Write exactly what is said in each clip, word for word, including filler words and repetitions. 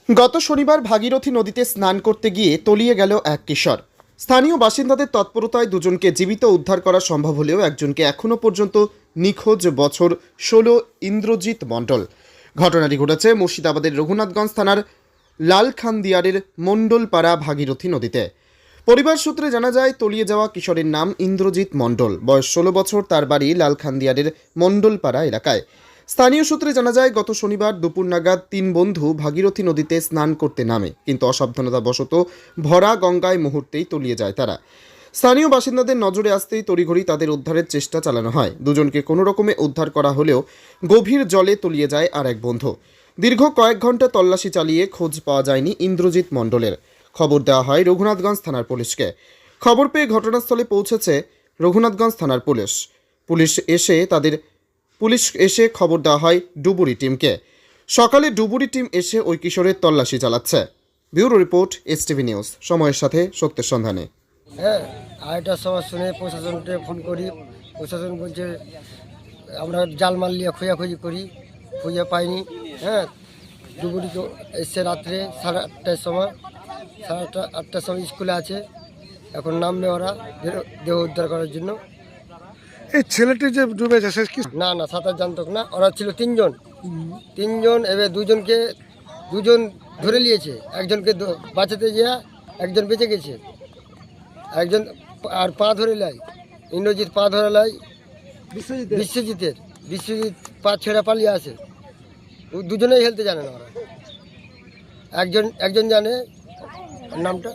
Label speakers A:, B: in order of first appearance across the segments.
A: গত শনিবার ভাগীরথী নদীতে স্নান করতে গিয়ে তলিয়ে গেল এক কিশোর। স্থানীয় বাসিন্দাদের তৎপরতায় দুজনকে জীবিত উদ্ধার করা সম্ভব হলেও একজনকে এখনও পর্যন্ত নিখোঁজ। বছর ষোলো ইন্দ্রজিৎ মণ্ডল। ঘটনাটি ঘটেছে মুর্শিদাবাদের রঘুনাথগঞ্জ থানার লালখানদিয়ারের মণ্ডলপাড়া ভাগীরথী নদীতে। পরিবার সূত্রে জানা যায়, তলিয়ে যাওয়া কিশোরের নাম ইন্দ্রজিৎ মণ্ডল, বয়স ষোলো বছর। তার বাড়ি লালখানদিয়ারের মণ্ডলপাড়া এলাকায়। স্থানীয় সূত্রে জানা যায়, গত শনিবার দুপুর নাগাদ তিন বন্ধু ভাগীরথী নদীতে স্নান করতে নামে, কিন্তু অসাবধানতাবশত ভরা গঙ্গায় মুহূর্তেই তলিয়ে যায় তারা। স্থানীয় বাসিন্দাদের নজরে আসতেই তড়িঘড়ি তাদের উদ্ধারের চেষ্টা চালানো হয়। দুজনকে কোনো রকমে উদ্ধার করা হলেও গভীর জলে তলিয়ে যায় আর এক বন্ধু। দীর্ঘ কয়েক ঘন্টা তল্লাশি চালিয়ে খোঁজ পাওয়া যায়নি ইন্দ্রজিৎ মণ্ডলের। খবর দেওয়া হয় রঘুনাথগঞ্জ থানার পুলিশকে। খবর পেয়ে ঘটনাস্থলে পৌঁছেছে রঘুনাথগঞ্জ থানার পুলিশ। পুলিশ এসে তাদের পুলিশ এসে খবর দেওয়া হয় ডুবুরি টিমকে। সকালে ডুবুরি টিম এসে ওই কিশোরের তল্লাশি চালাচ্ছে। ব্যুরো রিপোর্ট, এসটিভি নিউজ, সময়ের সাথে সত্যের সন্ধানে।
B: হ্যাঁ, আড়াইটার সময় শুনে প্রশাসনকে ফোন করি। প্রশাসন বলছে আমরা জাল মাল নিয়ে খোঁজাখুঁজি করি, খুঁজে পাইনি। হ্যাঁ, ডুবুরি এসছে রাত্রে সাড়ে আটটার সময়। সাড়ে আটটা আটটার সময় স্কুলে আছে, এখন নামবে ওরা দেহ উদ্ধার করার জন্য।
C: এই ছেলেটি যে ডুবেছে সে কি?
B: না না, সাঁতার জানতো না। ওরা ছিল তিনজন তিনজন এবার দুজনকে দুজন ধরে নিয়েছে। একজনকে দ- বাঁচাতে গিয়া একজন বেঁচে গেছে, একজন আর পা ধরে লাই ইন্দ্রজিৎ পা ধরে লাই বিশ্বজিতের বিশ্বজিৎ পা ছেড়ে পালিয়ে আসে। ও দুজনেই হেলতে জানে না ওরা। একজন একজন জানে নামটা।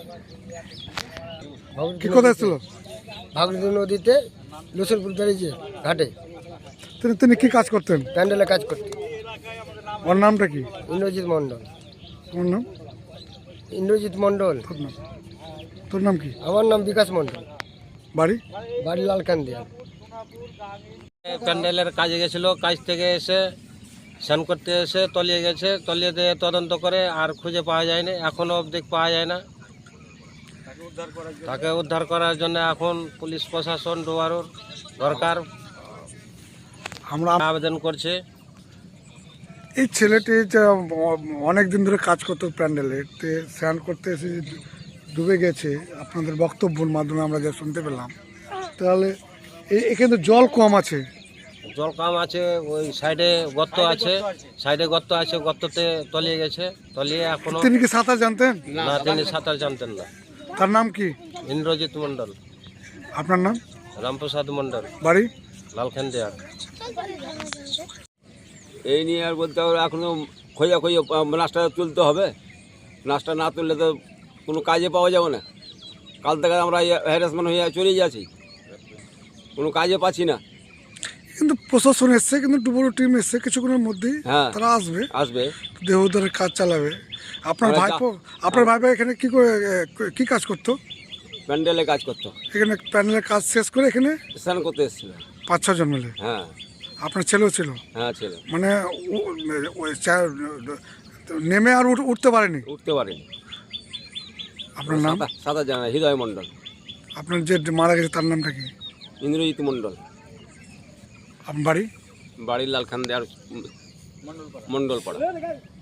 C: কি কোথায় ছিল?
B: ভাগীরথী নদীতে লসুরপুর বেরিয়েছে ঘাটে
C: তিনি তিনি কি কাজ করতেন?
B: প্যান্ডেলে কাজ করতে।
C: ওর নামটা কি?
B: ইন্দ্রজিৎ মণ্ডল।
C: তোমার নাম?
B: ইন্দ্রজিৎ মণ্ডল।
C: তোর নাম? তোর নাম কি?
B: আমার নাম বিকাশ মণ্ডল,
C: বাড়ি?
B: বাড়ি লালখানদিয়া।
D: প্যান্ডেলের কাজে গেছিল, কাজ থেকে এসে স্নান করতে এসে তলিয়ে গেছে। তলিয়ে দিয়ে তদন্ত করে আর খুঁজে পাওয়া যায়নি, এখনও অবধি পাওয়া যায় না। তাকে উদ্ধার করার জন্য এখন পুলিশ প্রশাসন ডোয়ারোর দরকার
C: আমরা
D: আবেদন করছে।
C: এই ছেলেটি যে অনেক দিন ধরে কাজ করতো প্যান্ডেলে, তে স্নান করতে এসে যে ডুবে গেছে, আপনাদের বক্তব্যের মাধ্যমে আমরা যা শুনতে পেলাম, তাহলে এই- এখানে তো জল কম আছে।
D: জল কম আছে, ওই সাইডে গর্ত আছে, সাইডে গর্ত আছে, গর্ততে তলিয়ে গেছে। তলিয়ে এখনো
C: তিনি কি সাঁতার জানতেন?
D: না, তিনি সাঁতার জানতেন না।
C: তার নাম কি?
D: ইন্দ্রজিৎ মণ্ডল।
C: আপনার নাম?
D: রামপ্রসাদ মণ্ডল,
C: বাড়ি?
D: লালখানদিয়ার।
E: এই নিয়ে আর বলতে হবে, এখনও খোঁজা খোঁজে নাচটা তুলতে হবে। নাচটা না তুললে তো কোনো কাজে পাওয়া যাবে না। কাল থেকে আমরা হ্যারাসমেন্ট হয়ে চলে যাচ্ছি, কোনো কাজে পাচ্ছি না।
C: কিন্তু প্রশাসন এসছে, কিন্তু ডুবুরি টিম এসছে কিছুক্ষণের মধ্যেই।
E: হ্যাঁ।
C: তারা আসবে,
E: আসবে,
C: দেহ উদ্ধারের কাজ চালাবে। আপনার
E: আমরা
C: ভাইপো আপনার ভাইপো এখানে কি করে এ, কি কাজ করতো?
E: প্যান্ডেলে কাজ করতো,
C: এখানে প্যানেলের কাজ শেষ করে এখানে
E: স্নান করতে এসেছিল।
C: পাঁচ ছজন মিলে।
E: হ্যাঁ
C: আপনার ছেলেও ছিল?
E: হ্যাঁ ছেলে
C: মানে উ- ওই চা- নেমে আর উঠ- উঠতে পারেনি।
E: উঠতে পারেনি।
C: আপনার নাম?
E: সাঁতার সাঁতার জানা হৃদয় মণ্ডল।
C: আপনার যে মারা গেছে তার নামটা কি?
E: ইন্দ্রজিৎ মণ্ডল।
C: আপনার বাড়ি?
E: বাড়ির লালখান দেওয়ার মণ্ডল পাড়া।